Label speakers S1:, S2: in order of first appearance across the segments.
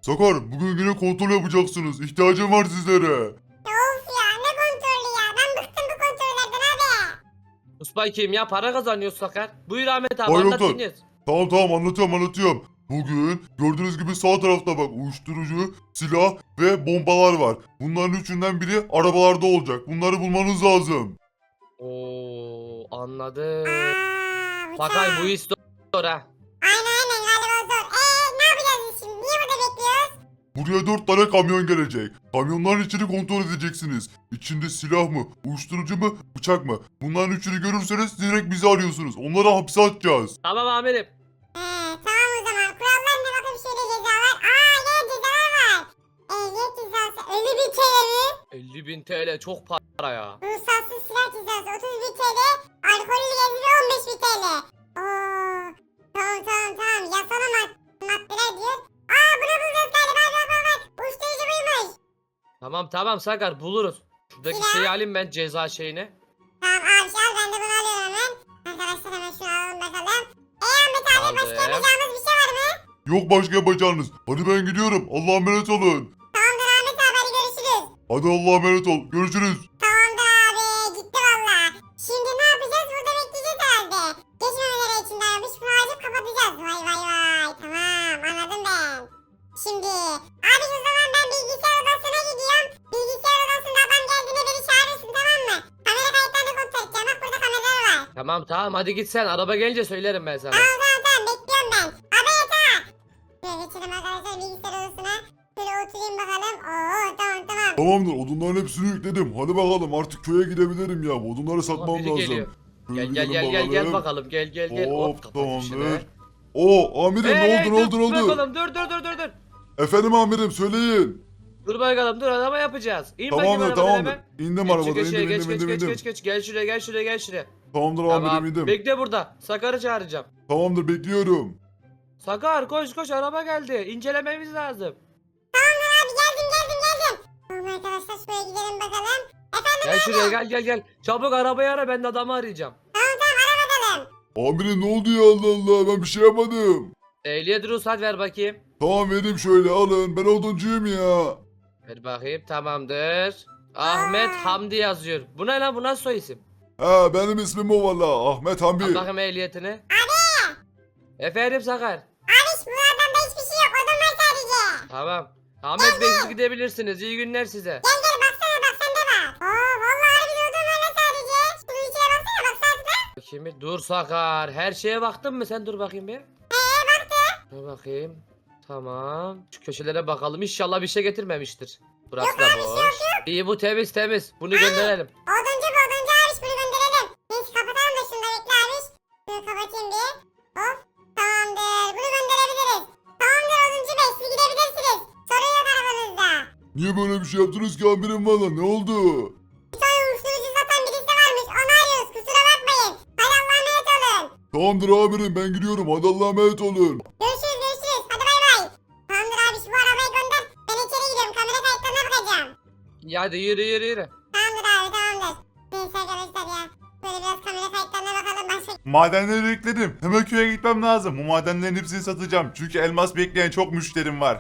S1: Sakar bugün yine kontrol yapacaksınız. İhtiyacım var sizlere.
S2: Of ya ne kontrolü ya. Ben bıktım bu kontrollerden abi.
S3: Uspay kim ya? Para kazanıyoruz Sakar. Buyur Ahmet abi,
S1: Hayır
S3: anlat
S1: doktor.
S3: dinliyoruz.
S1: Tamam anlatıyorum. Bugün gördüğünüz gibi sağ tarafta bak uyuşturucu, silah ve bombalar var. Bunların üçünden biri arabalarda olacak. Bunları bulmanız lazım.
S3: Oo, anladım.
S2: Bu
S3: Sakar
S2: çağ.
S3: bu iş zor ha.
S2: Aynen galiba zor. Ne yapacağız biz şimdi? Niye burada bekliyoruz?
S1: Buraya 4 tane kamyon gelecek. Kamyonların içini kontrol edeceksiniz. İçinde silah mı, uyuşturucu mu, bıçak mı? Bunların üçünü görürseniz direkt bizi arıyorsunuz. Onları hapse atacağız.
S3: Tamam amirim.
S2: Tamam o zaman. Kurallar ne bakayım şöyle cezalar. Yine cezalar var. Ehliyet cezası 50.000 TL mi?
S3: 50.000 TL çok para ya.
S2: Ruhsatsız silah cezası 30.000 TL. Alkollü gezme 15.000 TL. Oo. Tamam. Yasal maddeler diyor. Bunu bulacağız galiba. Bak. Uyuşturucu buymuş.
S3: Tamam Sakar, buluruz. Şuradaki
S2: Silah.
S3: şeyi alayım ben, ceza şeyini.
S2: Tamam abi al ben de bunu alıyorum hemen. Arkadaşlar hemen şunu alalım bakalım. Ahmet abi başka
S3: Aldım.
S2: yapacağımız bir şey var mı?
S1: Yok başka yapacağınız. Hadi ben gidiyorum. Allah'a emanet olun.
S2: Tamamdır Ahmet abi hadi görüşürüz.
S1: Hadi Allah'a emanet ol. Görüşürüz.
S2: Tamamdır abi gitti valla. Şimdi ne yapacağız burada bekleyeceğiz herhalde. Geçmemeleri için dayanmış bunu açıp kapatacağız. Vay. Tamam anladım ben. Şimdi abi o zaman ben bilgisayar odasına gidiyorum. Bilgisayar odasında adam geldiğinde beni çağırırsın tamam mı? Kamera kayıtlarını kontrol edeceğim bak burada kameralar var.
S3: Tamam hadi git sen, araba gelince söylerim ben sana.
S2: Tamam bekliyorum ben. Abi yeter. Şöyle geçelim arkadaşlar bilgisayar odasına. Şöyle oturayım bakalım. Tamam.
S1: Tamamdır. Odunların hepsini yükledim. Hadi bakalım artık köye gidebilirim ya. Odunları satmam
S3: biri
S1: lazım.
S3: geliyor.
S1: Şöyle
S3: Gel
S1: gidelim
S3: gel bakalım, gel.
S1: Hop
S3: kapat
S1: tamamdır.
S3: işini.
S1: Oo amirim ne oldu?
S3: Dur bakalım, dur.
S1: Efendim amirim söyleyin.
S3: Dur bakalım, dur, araba yapacağız. İn bakayım
S1: Tamamdır
S3: arabadan
S1: tamamdır.
S3: hemen.
S1: İndim
S3: Geç,
S1: arabadan
S3: geç,
S1: indim.
S3: geç. Gel şuraya.
S1: Tamamdır
S3: Tamam,
S1: amirim indim.
S3: bekle burada. Sakar'ı çağıracağım.
S1: Tamamdır bekliyorum.
S3: Sakar koş, araba geldi. İncelememiz lazım.
S2: Abi geldim. Tamam arkadaşlar şuraya gidelim bakalım. Efendim
S3: Gel şuraya, gel. Çabuk arabayı ara, ben de adamı arayacağım.
S2: ara bakalım.
S1: Amirim ne oldu ya Allah Allah ben bir şey yapmadım.
S3: Ehliyet ruhsat ver bakayım.
S1: Tamam vereyim şöyle alın ben oduncuyum ya.
S3: Ver bakayım, tamamdır. Ahmet Hamdi yazıyor. Bu ne lan, bu nasıl soy isim?
S1: Ha benim ismim o valla Ahmet
S3: Al
S1: Hamdi.
S3: bakayım ehliyetini. Abi. Efendim Sakar.
S2: Abi bu adamda hiçbir şey yok. Odun var sadece.
S3: Tamam. Ahmet Bey siz gidebilirsiniz. İyi günler size.
S2: Gel baksana bak sende var. Vallahi harbi odun var lan sadece. Şunun içine baksana bak sadece.
S3: Bakayım bir. Dur Sakar. Her şeye baktın mı sen? Dur bakayım bir.
S2: Baktım.
S3: Dur bakayım. Tamam. Şu köşelere bakalım. İnşallah bir şey getirmemiştir. Burası da boş. İyi, bu temiz. Bunu gönderelim.
S2: Oduncu abiş bunu gönderelim. Neyse kapatalım da şunu da bekle abiş. Şunu kapatayım bir. Hop. Tamamdır. Bunu gönderebiliriz. Tamamdır oduncu bey siz gidebilirsiniz. Sorun yok arabanızda.
S1: Niye böyle bir şey yaptınız ki amirim valla ne oldu?
S2: Bir tane uyuşturucu satan birisi varmış. Onu arıyoruz. Kusura bakmayın. Hadi Allah'a emanet olun.
S1: Tamamdır amirim ben gidiyorum hadi Allah'a emanet olun.
S2: Görüşürüz. Hadi bay. Tamamdır abi şu arabayı gönder. Ben içeri gidiyorum. Kamera kayıtlarına bakacağım.
S3: Ya hadi yürü.
S2: Tamamdır abi tamamdır. Neyse arkadaşlar ya. Böyle biraz kamera kayıtlarına bakalım. Başka
S1: Madenleri yükledim. Hemen köye gitmem lazım. Bu madenlerin hepsini satacağım. Çünkü elmas bekleyen çok müşterim var.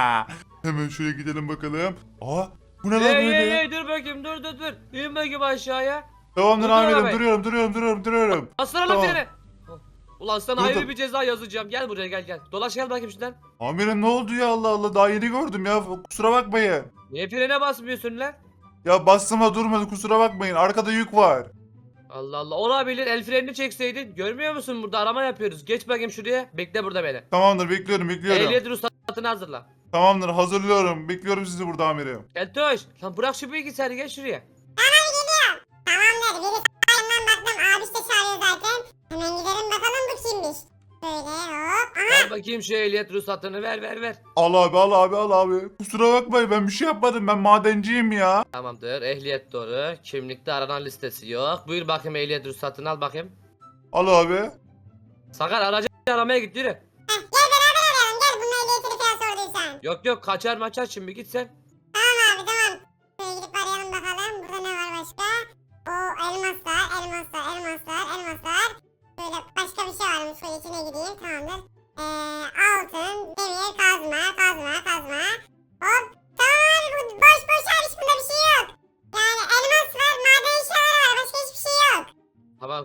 S1: Hemen şuraya gidelim bakalım. Aa bu ne lan böyle?
S3: Hey, dur bakayım, dur. İn bakayım aşağıya.
S1: Tamamdır
S3: Dur,
S1: amirim
S3: arabayı.
S1: duruyorum.
S3: Bastıralım
S1: Tamam.
S3: freni. Ulan sana
S1: Dur,
S3: ayrı
S1: dur.
S3: bir ceza yazacağım. Gel buraya, gel. Dolaş gel bakayım şuradan.
S1: Amirim ne oldu ya Allah Allah daha yeni gördüm ya kusura bakmayın.
S3: Niye frene basmıyorsun lan?
S1: Ya bastım da durmadı kusura bakmayın arkada yük var.
S3: Allah olabilir, el frenini çekseydin. Görmüyor musun, burada arama yapıyoruz. Geç bakayım şuraya, bekle burada beni.
S1: Tamamdır bekliyorum.
S3: Ehliyet ruhsatını hazırla.
S1: Tamamdır hazırlıyorum. Bekliyorum sizi burada amirim.
S3: Keltoş, lan bırak şu bilgisayarı, gel şuraya.
S2: tamamdır. Biri sağından baktım. Abiş de çağırıyor zaten. Hemen gidelim bakalım bu kimmiş. Böyle hop.
S3: Ver bakayım şu ehliyet ruhsatını, ver.
S1: Al abi. Kusura bakmayın ben bir şey yapmadım ben madenciyim ya.
S3: Tamamdır, ehliyet doğru. Kimlikte aranan listesi yok. Buyur bakayım ehliyet ruhsatını, al bakayım.
S1: Al abi.
S3: Sakar, aracı aramaya git, yürü.
S2: Gel beraber arayalım. Gel bunun ehliyetini falan sorduysan.
S3: Yok kaçar maçar, şimdi git sen.
S2: Tamam abi tamam. Şöyle gidip arayalım bakalım. Burada ne var başka? Elmaslar. Böyle başka bir şey varmış. Şöyle içine gideyim. Tamamdır. Altın, demir, kazma.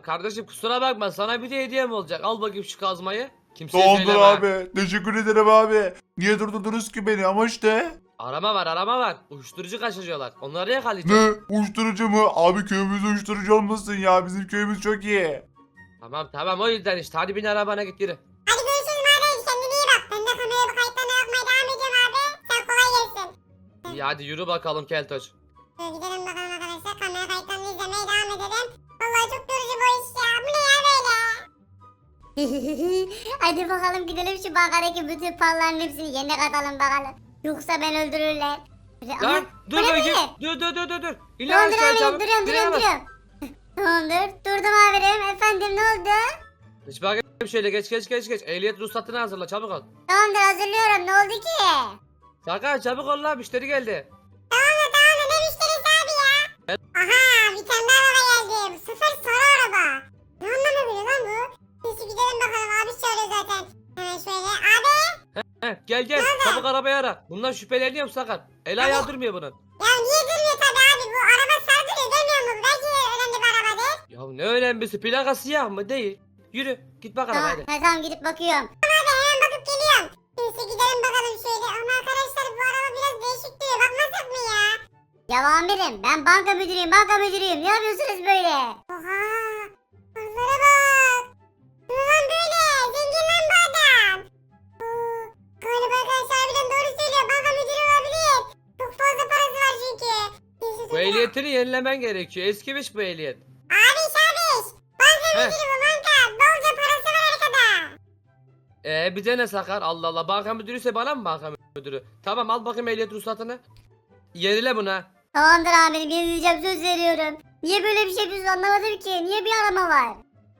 S3: kardeşim kusura bakma sana bir de hediyem olacak. Al bakayım şu kazmayı. Kimseye
S1: Tamamdır
S3: söyleme.
S1: abi. Teşekkür ederim abi. Niye durdurdunuz ki beni ama işte.
S3: Arama var. Uyuşturucu kaçırıyorlar. Onları yakalayacağız.
S1: Ne? Uyuşturucu mu? Abi köyümüz uyuşturucu olmasın ya. Bizim köyümüz çok iyi.
S3: Tamam o yüzden işte. Hadi bin arabana git yürü.
S2: Hadi görüşürüz abi. Kendine iyi bak. Ben de kameraya bu kayıtlarına bakmaya devam edeceğim abi. Sen kolay gelsin.
S3: İyi hadi yürü bakalım Keltoş.
S2: Şöyle gidelim bakalım arkadaşlar. Kamera kayıtlarını izlemeye devam edelim. Vallahi çok yorucu bu iş ya. Bu ne ya böyle?
S4: Hadi bakalım gidelim şu bankadaki bütün paraların hepsini yerine katalım bakalım. Yoksa ben öldürürler.
S3: Lan dur
S4: bu ne
S3: bakayım.
S4: be?
S3: Dur. İn
S4: Tamamdır
S3: aşağı
S4: amirim
S3: çabuk.
S4: duruyorum.
S3: Frene bas.
S4: Tamamdır durdum amirim. Efendim ne oldu?
S3: Geç bakayım şöyle geç. Ehliyet ruhsatını hazırla çabuk ol.
S4: Tamamdır hazırlıyorum ne oldu ki?
S3: Sakar çabuk ol lan müşteri geldi.
S2: Tamam da ne müşterisi abi ya? Aha bir tane daha araba geldi. Bu sefer sarı araba. Ne anlamı veriyor lan bu? Neyse gidelim bakalım abi söylüyor zaten. Hemen şöyle. Abi.
S3: Gel çabuk arabayı ara. Bundan şüpheleniyorum Sakar. El ayağı durmuyor bunun.
S2: Ya niye durmuyor tabi abi? Bu araba sarı duruyor görmüyor musun? Belki önemli bir araba değil.
S3: Ya ne önemlisi plaka siyah mı değil. Yürü git bak arabaya hadi.
S4: Tamam gidip bakıyorum.
S2: Abi hemen bakıp geliyorum. Neyse gidelim bakalım şöyle. Ama arkadaşlar bu araba biraz değişik duruyor. Bakmasak mı ya?
S4: Ya amirim ben banka müdürüyüm. Ne yapıyorsunuz böyle?
S2: Oha. Onlara bak. Bu lan böyle. Zengin lan bu adam. Oo, galiba arkadaşlar harbiden doğru söylüyor. Banka müdürü olabilir. Çok fazla parası var çünkü. Neyse,
S3: Bu
S2: dur ya.
S3: ehliyetini yenilemen gerekiyor. Eskimiş bu ehliyet.
S2: Abiş. Banka
S3: Heh.
S2: müdürü bu banka. Bolca parası var arkada.
S3: Bize ne Sakar? Allah Allah banka müdürüyse bana mı banka müdürü? Tamam al bakayım ehliyet ruhsatını. Yenile bunu ha.
S4: Tamamdır amirim yenileceğim söz veriyorum. Niye böyle bir şey yapıyorsun anlamadım ki. Niye bir arama var?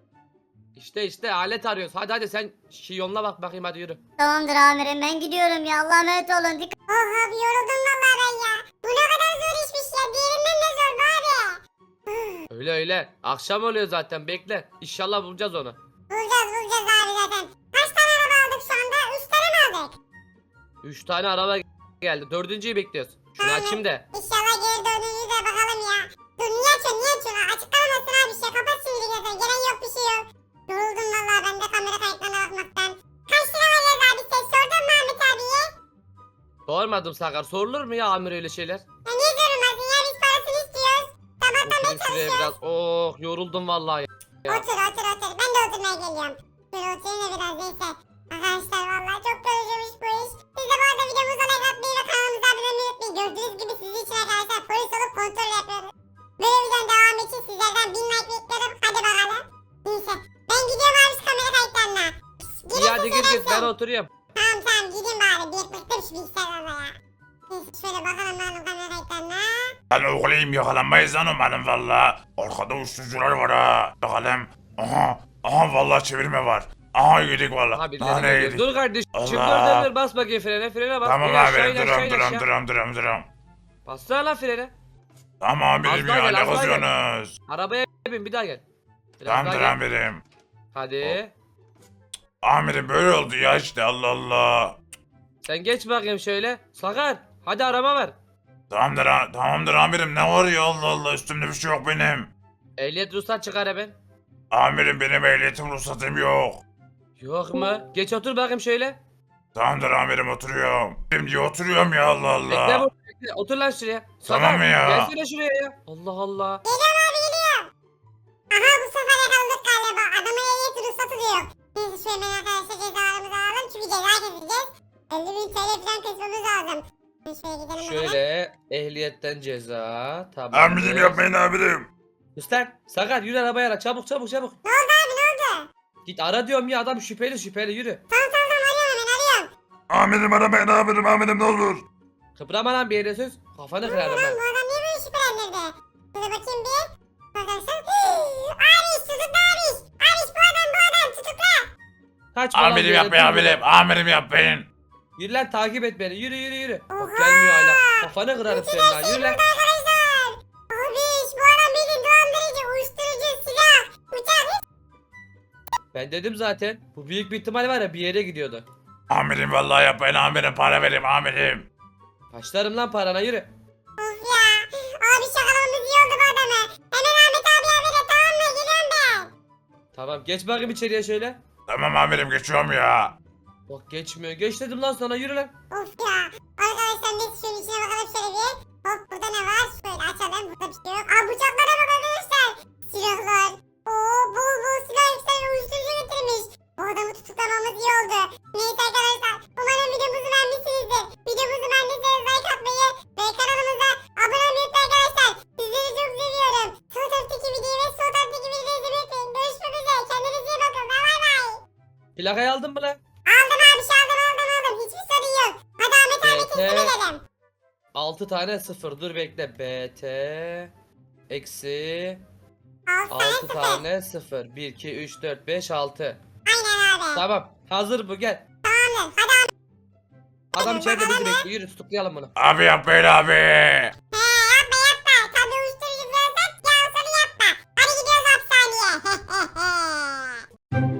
S3: İşte alet arıyoruz. Hadi sen yoluna bak bakayım hadi yürü.
S4: Tamamdır amirim ben gidiyorum ya. Allah'a emanet olun. Dikkat.
S2: Oh abi yoruldum vallahi ben ya. Bu ne kadar zor işmiş ya. Diğerinden de zor bu abi.
S3: Öyle. Akşam oluyor zaten bekle. İnşallah bulacağız onu.
S2: Bulacağız abi zaten. Kaç tane araba aldık şu anda? 3 tane mi aldık?
S3: 3 tane araba geldi. Dördüncüyü bekliyoruz. Şunu açayım da.
S2: İnşallah geri döndüğünüzde de bakalım ya. Dur niye açıyorsun? Açıklamasın abi bir şey. Kapat şimdi zaten. Gelen yok bir şey yok. Yoruldum vallahi ben de kamera kayıtlarına bakmaktan. Kaç lira vereceğiz abi? Sen sordun mu Ahmet abiye?
S3: Sormadım Sakar. Sorulur mu ya amir öyle şeyler?
S2: Ya niye sorulmasın ya? Biz parasını istiyoruz. Sabahtan beri
S3: Oturayım şuraya
S2: çalışıyoruz.
S3: biraz. Oh yoruldum vallahi. Ya.
S2: Otur. Ben de oturmaya geliyorum. Şöyle oturayım da biraz neyse. Arkadaşlar vallahi çok yorucuymuş bu iş. Siz de bu arada videomuza like atmayı ve kanalımıza abone olmayı unutmayın. Gördüğünüz gibi sizin için arkadaşlar polis olup kontrol yapıyoruz. Böyle videonun devamı için sizlerden 1000 like bekliyorum. Hadi bakalım. Neyse. Ben gidiyorum abi şu kamera kayıtlarına.
S3: İyi hadi git ben oturuyorum.
S2: Tamam gidin bari. Bir bıktım şu bilgisayarlarla ya. Neyse şöyle bakalım ben kamera kayıtlarına.
S1: Lan oğlum yakalanmayız lan umarım valla. Arkada uyuşturucular var ha. Bakalım. Aha valla çevirme var. Aha yedik valla.
S3: Aha birileri
S1: Daha ne
S3: geliyor.
S1: yedik?
S3: Dur kardeşim
S1: Allah.
S3: dur bas bakayım frene bas.
S1: Tamam
S3: İn aşağı,
S1: abi
S3: in aşağı, in aşağı.
S1: duram.
S3: Bassana lan frene.
S1: Tamam amirim
S3: Az daha
S1: ya
S3: gel,
S1: ne
S3: az daha gel.
S1: kızıyorsunuz?
S3: Arabaya bin bir daha gel. Biraz
S1: Tamamdır
S3: daha gel.
S1: amirim.
S3: Hadi.
S1: Amirim böyle oldu ya işte Allah Allah.
S3: Sen geç bakayım şöyle. Sakar hadi araba ver.
S1: Tamamdır amirim ne var ya Allah Allah üstümde bir şey yok benim.
S3: Ehliyet ruhsat çıkar hemen.
S1: Amirim benim ehliyetim ruhsatım yok.
S3: Yok mu? Geç otur bakayım şöyle.
S1: Tamamdır amirim oturuyorum. Şimdi oturuyorum ya Allah
S3: Bekle
S1: Allah.
S3: bu. Bekle. Otur lan şuraya.
S1: Tamam
S3: Sakar,
S1: ya.
S3: Gelsene şuraya ya. Allah Allah.
S2: Aha bu sefer yakaladık galiba. Adama ehliyet ruhsatı diyor. Neyse şu hemen arkadaşlar cezalarımızı alalım. Çünkü ceza keseceğiz. 50.000 TL falan kesmemiz lazım. Şöyle gidelim bakalım.
S3: Şöyle ehliyetten ceza. Tamam.
S1: Amirim yapmayın amirim.
S3: Üstten. Sakar yürü arabaya ara. Çabuk.
S2: Ne oldu abi ne oldu?
S3: Git ara diyorum ya adam şüpheli yürü.
S2: Tamam arıyorum hemen arıyorum.
S1: Amirim aramayın amirim ne olur.
S3: Kıpırama lan bir yere söz. Kafanı kırarım
S2: Lan
S3: ben.
S2: bu adam niye böyle şüphelendirdi? Şöyle bakayım bir. Arkadaşlar. Abiş tutukla abiş. Abiş bu adam tutukla.
S3: Kaç falan bir
S1: Amirim
S3: yere
S1: yapmayın
S3: dur.
S1: amirim yapmayın.
S3: Yürü lan takip et beni. Yürü. Bak
S2: Oha!
S3: gelmiyor hala. Kafanı kırarım senin ha. Yürü lan.
S2: Arkadaşlar. Abiş bu adam bildiğin dolandırıcı, uyuşturucu, silah, bıçak.
S3: Ben dedim zaten. Bu büyük bir ihtimal var ya bir yere gidiyordu.
S1: Amirim vallahi yapmayın amirim para verin amirim.
S3: Başlarım lan parana yürü.
S2: Of ya. Abi şakalamamız iyi oldu bu adamı. Hemen Ahmet abi habere tamam mı? Geliyorum ben.
S3: Tamam geç bakayım içeriye şöyle.
S1: Tamam amirim geçiyorum ya.
S3: Bak geçmiyor. Geç dedim lan sana yürü lan.
S2: Of ya. Arkadaşlar biz şunun içine bakalım şöyle bir. Hop burada ne var? Şöyle açalım. Burada bir şey yok. Aa bıçaklara bak arkadaşlar. Silahlar. Oo bol bol silah yükselmiş. Uyuşturucu getirmiş. Bu adamı tutuklamamız iyi oldu. Neyse arkadaşlar. Umarım videomuzu beğenmişsinizdir. Videomuzu beğendiyseniz like atmayı ve kanalımıza abone olmayı unutmayın arkadaşlar. Sizleri çok seviyorum. Sol taraftaki videoyu ve sol taraftaki videoyu izlemeyi unutmayın. Görüşmek üzere. Kendinize iyi bakın. Bay bay.
S3: Plakayı aldın mı lan?
S2: Aldım abi şey aldım. Hiçbir sorun yok. Hadi Ahmet abi teslim edelim.
S3: 6 tane 0. Dur bekle. BT eksi 6 tane 0. 1, 2, 3, 4, 5, 6.
S2: Aynen abi.
S3: Tamam. Hazır bu gel.
S2: Tamamdır. Hadi
S3: Adam içeride bizi bekliyor. Yürü tutuklayalım bunu.
S1: Abi yapmayın abi.
S2: He yapma. Tabii uyuşturucu bıraksak ya onu yapma. Hadi gidiyoruz hapishaneye.